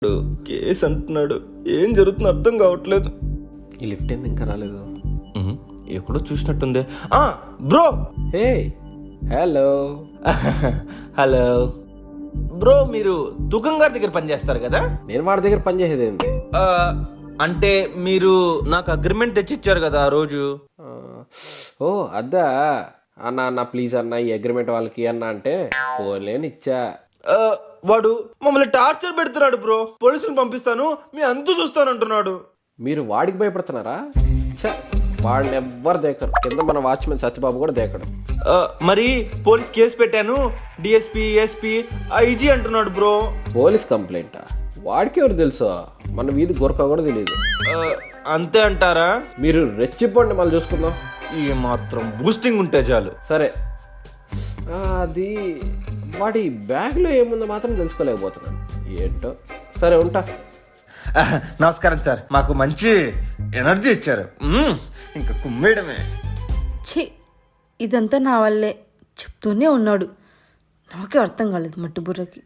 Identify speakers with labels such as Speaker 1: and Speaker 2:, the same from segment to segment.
Speaker 1: Case అంటున్నాడు, ఏం జరుగుతుందో అర్థం కావట్లేదు.
Speaker 2: ఈ లిఫ్ట్ ఎందుకు ఇంకా రాలేదు?
Speaker 1: ఎక్కడో చూసినట్టుంది. Bro.
Speaker 2: Hey, hello.
Speaker 1: Hello bro, మీరు దుకాణం గారి దగ్గర పనిచేస్తారు కదా?
Speaker 2: నేను వాడి దగ్గర పని చేసేది ఏంటి?
Speaker 1: అంటే మీరు నాకు అగ్రిమెంట్ తెచ్చిచ్చారు కదా ఆ రోజు.
Speaker 2: ఓ అద్దా అన్న, అన్న ప్లీజ్ అన్న ఈ అగ్రిమెంట్ వాళ్ళకి అన్న అంటే పోలేని ఇచ్చా.
Speaker 1: వాడు మమ్మల్ని టార్చర్ పెడుతున్నాడు బ్రో. పోలీసులు పంపిస్తాను, మీ అంతు చూస్తానంటున్నాడు.
Speaker 2: మీరు వాడికి భయపడుతున్నారా? వాడిని ఎవ్వరు దేకరు. కింద మన వాచ్మెన్ సత్యబాబు కూడా దేకడు.
Speaker 1: మరి పోలీస్ కేసు పెట్టాను, డిఎస్పీ ఎస్పీ ఐజీ అంటున్నాడు బ్రో.
Speaker 2: పోలీస్ కంప్లైంటా? వాడికి ఎవరు తెలుసు? మన వీధి గొరక కూడా తెలియదు.
Speaker 1: అంతే అంటారా?
Speaker 2: మీరు రెచ్చిపోండి, మళ్ళీ చూసుకుందాం.
Speaker 1: ఈ మాత్రం బూస్టింగ్ ఉంటే చాలు.
Speaker 2: సరే, అది వాడి బ్యాగ్లో ఏముందో మాత్రం తెలుసుకోలేకపోతున్నాను. ఏంటో. సరే ఉంటా.
Speaker 1: నమస్కారం సార్, మాకు మంచి ఎనర్జీ ఇచ్చారు. ఇంకా కుమ్మేయడమే.
Speaker 3: ఛీ, ఇదంతా నా వల్లే. చెప్తూనే ఉన్నాడు, నాకే అర్థం కాలేదు మట్టి బుర్రకి.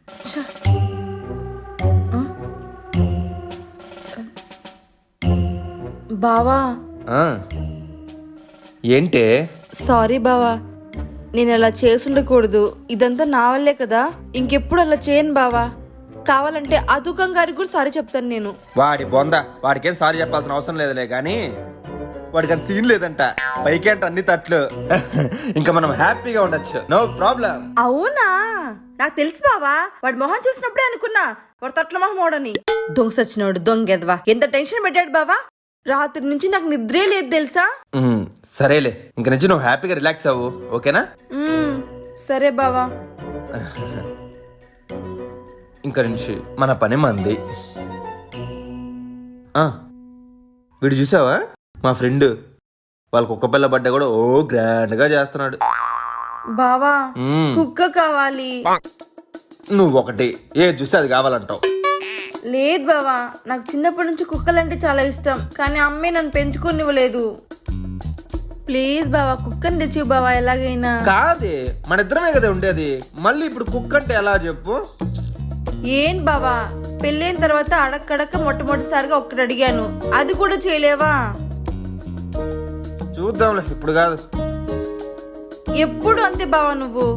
Speaker 3: బావా.
Speaker 1: ఏంటే?
Speaker 3: సారీ బావా, నేను అలా చేసుండకూడదు. ఇదంతా నా వల్లే కదా, ఇంకెప్పుడు అలా చేయను బావా. కావాలంటే ఆ దుకాణం గారికి కూడా సారీ చెప్తాను నేను.
Speaker 1: వాడి బొంద, వాడికేం సారీ చెప్పాల్సిన అవసరం లేదులే కానీ వాడికి అంత సీన్ లేదంట. పైకేంట అన్ని తట్లు. ఇంకా మనం హ్యాపీగా ఉండొచ్చు, నో ప్రాబ్లం.
Speaker 3: అవునా? నాకు తెలుసు బావా, వాడి మొహం చూసినప్పుడే అనుకున్నా వాడు తట్ల మొహం ఓడని. దొంగ సచ్చినోడు, దొంగెదవా. ఎంత టెన్షన్ పెట్టాడు బావా. రాత్రి నుంచి నాకు నిద్రే లేదు తెలుసా.
Speaker 1: సరేలే, ఇంక నుంచి నువ్వు హ్యాపీగా రిలాక్స్ అవ్వు, ఓకేనా?
Speaker 3: సరే బావా.
Speaker 1: ఇంక నుంచి మన పని మంది. వీడు చూసావా, మా ఫ్రెండ్ వాళ్ళ కుక్క పిల్ల బట్ట కూడా గ్రాండ్ గా చేస్తున్నాడు.
Speaker 3: బావా, కుక్క కావాలి.
Speaker 1: నువ్వు ఒకటి ఏది చూస్తే అది కావాలంటావు.
Speaker 3: లేదు బావా, నాకు చిన్నప్పటి నుంచి కుక్కలంటే చాలా ఇష్టం, కానీ అమ్మే నన్ను పెంచుకోనివ్వలేదు. ప్లీజ్ బావా, కుక్కని తెచ్చి బావా ఎలాగైనా.
Speaker 1: కాదే, మన ఇద్దరమే కదా ఉండేది, మళ్ళీ ఇప్పుడు కుక్క అంటే ఎలా చెప్పు?
Speaker 3: ఏం బావా, పెళ్ళైన తర్వాత అడక్కడక్క మొట్టమొదటిసారిగా ఒక్కటి అడిగాను, అది కూడా చేయలేవా?
Speaker 1: చూద్దాంలే, ఇప్పుడు కాదు.
Speaker 3: ఎప్పుడు అంతే బావా నువ్వు.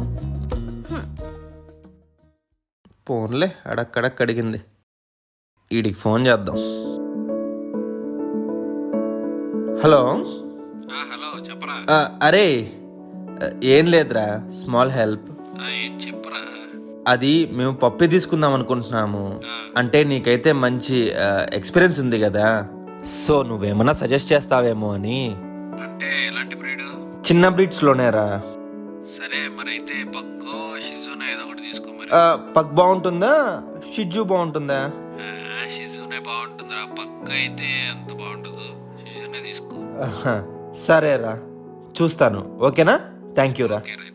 Speaker 1: ఫోన్లే అడక్కడక్క అడిగింది, వీడికి ఫోన్ చేద్దాం. హలో.
Speaker 2: హలో, చెప్పరా.
Speaker 1: అరే ఏం లేదురా, స్మాల్ హెల్ప్.
Speaker 2: చెప్పరా.
Speaker 1: అది మేము పప్పి తీసుకుందాం అనుకుంటున్నాము. అంటే నీకైతే మంచి ఎక్స్పీరియన్స్ ఉంది కదా, సో నువ్వేమన్నా సజెస్ట్ చేస్తావేమో అని.
Speaker 2: అంటే ఎలాంటి బ్రీడ్?
Speaker 1: చిన్న బ్రీడ్స్ లోనేరా.
Speaker 2: సరే, మరైతే పక్కో షిజునా ఏదో ఒకటి తీసుకో మరి.
Speaker 1: పగ్ బాగుంటుందా, షిజు బాగుంటుందా?
Speaker 2: షిజునే బాగుంటుందిరా, పక్క అయితే అంత బాగుంటుంది. షిజునే తీసుకో.
Speaker 1: సరేరా, చూస్తాను. ఓకేనా? థ్యాంక్ యూ రా.